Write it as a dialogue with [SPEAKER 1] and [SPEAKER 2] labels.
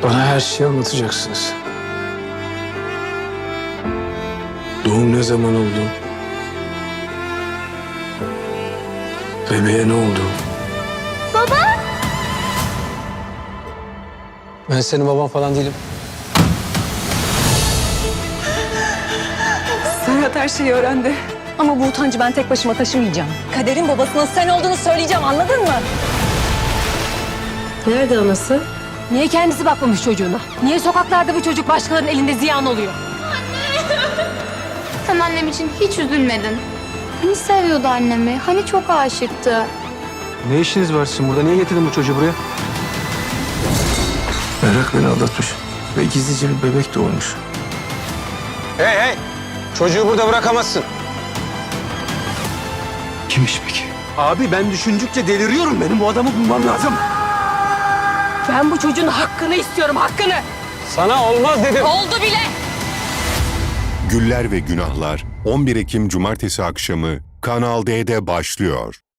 [SPEAKER 1] Bana her şeyi anlatacaksınız. Doğum ne zaman oldu? Bebeğe ne oldu?
[SPEAKER 2] Baba!
[SPEAKER 1] Ben senin baban falan değilim.
[SPEAKER 3] Serhat her şeyi öğrendi. Ama bu utancı ben tek başıma taşımayacağım. Kader'in babasının sen olduğunu söyleyeceğim, anladın mı?
[SPEAKER 4] Nerede anası?
[SPEAKER 2] Niye kendisi bakmamış çocuğuna? Niye sokaklarda bu çocuk başkalarının elinde ziyan oluyor?
[SPEAKER 5] Sen annem için hiç üzülmedin. Hani seviyordu annemi, hani çok aşıktı.
[SPEAKER 1] Ne işiniz var sizin burada? Niye getirdin bu çocuğu buraya? Merak beni aldatmış ve gizlice bir bebek doğurmuş. Hey hey! Çocuğu burada bırakamazsın. Kimmiş peki?
[SPEAKER 6] Abi ben düşündükçe deliriyorum. Benim bu adamı bulmam lazım.
[SPEAKER 2] Ben bu çocuğun hakkını istiyorum, hakkını!
[SPEAKER 1] Sana olmaz dedim.
[SPEAKER 2] Oldu bile!
[SPEAKER 7] Güller ve Günahlar 11 Ekim Cumartesi akşamı Kanal D'de başlıyor.